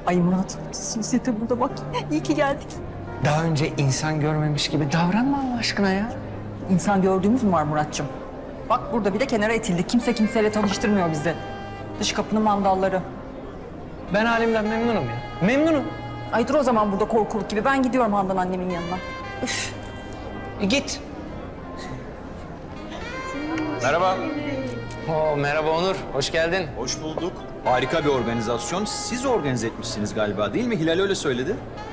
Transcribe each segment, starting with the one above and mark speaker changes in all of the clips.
Speaker 1: Ay Murat, siz de burada bak. İyi ki geldik.
Speaker 2: Daha önce insan görmemiş gibi davranma Allah aşkına ya.
Speaker 1: İnsan gördüğümüz mü var Muratcığım? Bak burada bir de kenara itildi. Kimse kimseyle tanıştırmıyor bizi. Dış kapının mandalları.
Speaker 2: Ben halimden memnunum ya. Memnunum.
Speaker 1: Ay dur o zaman burada korkuluk gibi. Ben gidiyorum Handan annemin yanına. Üf.
Speaker 2: Git. Merhaba. Merhaba Onur. Hoş geldin.
Speaker 3: Hoş bulduk. Harika bir organizasyon. Siz organize etmişsiniz galiba değil mi? Hilal öyle söyledi.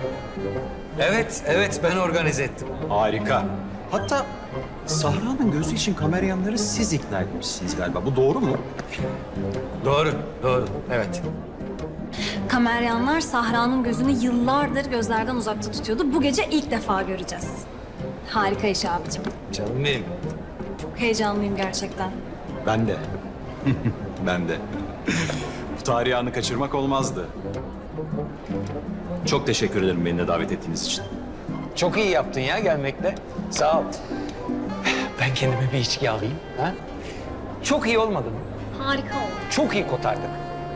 Speaker 2: Evet ben organize ettim.
Speaker 3: Harika. Hatta Sahra'nın gözü için kameramanları siz ikna etmişsiniz galiba. Bu doğru mu?
Speaker 2: Doğru. Evet.
Speaker 4: Kameryanlar Sahra'nın gözünü yıllardır gözlerden uzakta tutuyordu. Bu gece ilk defa göreceğiz. Harika iş abicim.
Speaker 2: Canım benim.
Speaker 4: Çok heyecanlıyım gerçekten.
Speaker 3: Ben de. Ben de. Bu tarihi anı kaçırmak olmazdı. Çok teşekkür ederim beni de davet ettiğiniz için.
Speaker 2: Çok iyi yaptın ya gelmekle. Sağ ol. Ben kendime bir içki alayım. Ha? Çok iyi olmadı mı?
Speaker 4: Harika oldu.
Speaker 2: Çok iyi kotardık.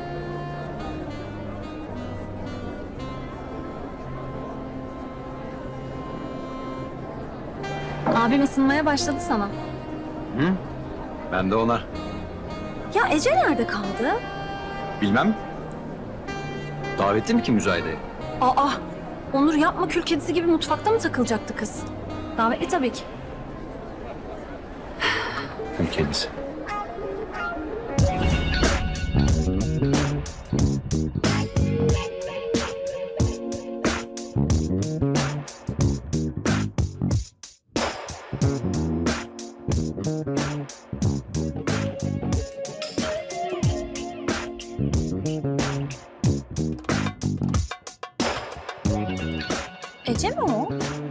Speaker 4: Abim ısınmaya başladı sana.
Speaker 3: Ben de ona.
Speaker 4: Ya Ece nerede kaldı?
Speaker 3: Bilmem. Davetli mi ki müzayedeye?
Speaker 4: Aa, Onur yapma, kül kedisi gibi mutfakta mı takılacaktı kız? Davetli tabii ki.
Speaker 3: Kül kedisi.
Speaker 4: Ece mi o?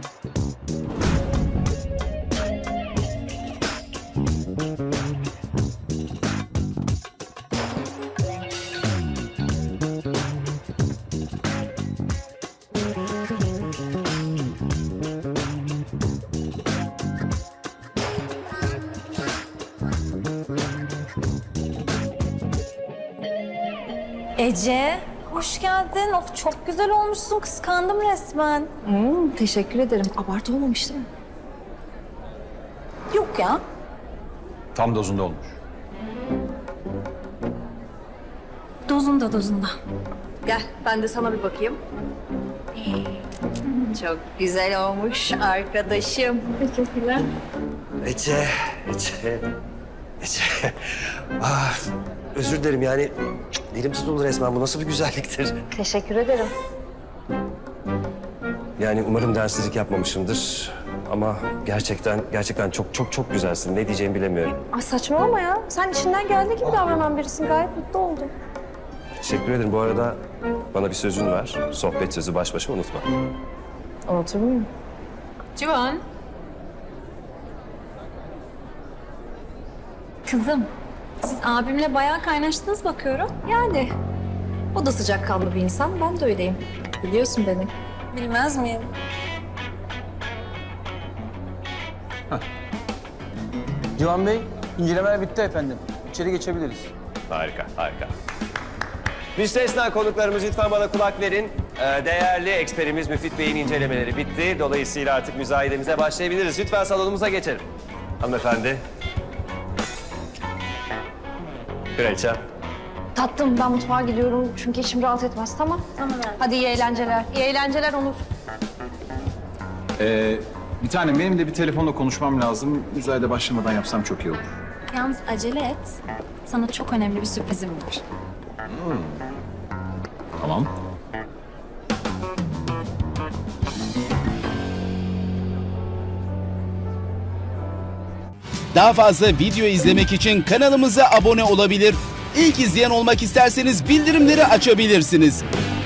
Speaker 4: Ece, hoş geldin. Of, çok güzel olmuşsun. Kıskandım resmen.
Speaker 5: Teşekkür ederim. Abartı olmamış değil mi?
Speaker 4: Yok ya.
Speaker 3: Tam dozunda olmuş.
Speaker 4: Dozunda.
Speaker 5: Gel ben de sana bir bakayım. Çok güzel olmuş arkadaşım. Teşekkürler.
Speaker 6: Ece. Ah, özür dilerim yani dilim tutuldu resmen. Bu nasıl bir güzelliktir?
Speaker 4: Teşekkür ederim.
Speaker 6: Yani umarım dersizlik yapmamışımdır. Ama gerçekten çok güzelsin. Ne diyeceğimi bilemiyorum.
Speaker 5: Aa, saçmalama ya. Sen içinden geldiği gibi davranan birisin. Gayet mutlu oldum.
Speaker 6: Teşekkür ederim. Bu arada bana bir sözün var. Sohbet sözü baş başa unutma.
Speaker 5: Unutur muyum?
Speaker 4: Civan. Kızım, siz abimle bayağı kaynaştınız bakıyorum.
Speaker 5: Yani. O da sıcakkanlı bir insan. Ben de öyleyim. Biliyorsun beni.
Speaker 4: Bilmez miyim?
Speaker 7: Civan Bey, incelemeler bitti efendim. İçeri geçebiliriz.
Speaker 6: Harika. Müstesna konuklarımız lütfen bana kulak verin. Değerli eksperimiz Müfit Bey'in incelemeleri bitti. Dolayısıyla artık müzayedemize başlayabiliriz. Lütfen salonumuza geçelim. Hanımefendi. Kraliçem.
Speaker 5: Tatlım ben mutfağa gidiyorum çünkü içim rahat etmez. Tamam. Hadi iyi eğlenceler. İyi eğlenceler Onur.
Speaker 3: Bir tanem benim de bir telefonla konuşmam lazım. Müzayede başlamadan yapsam çok iyi olur.
Speaker 4: Yalnız acele et. Sana çok önemli bir sürprizim var.
Speaker 3: Tamam.
Speaker 8: Daha fazla video izlemek için kanalımıza abone olabilir. İlk izleyen olmak isterseniz bildirimleri açabilirsiniz.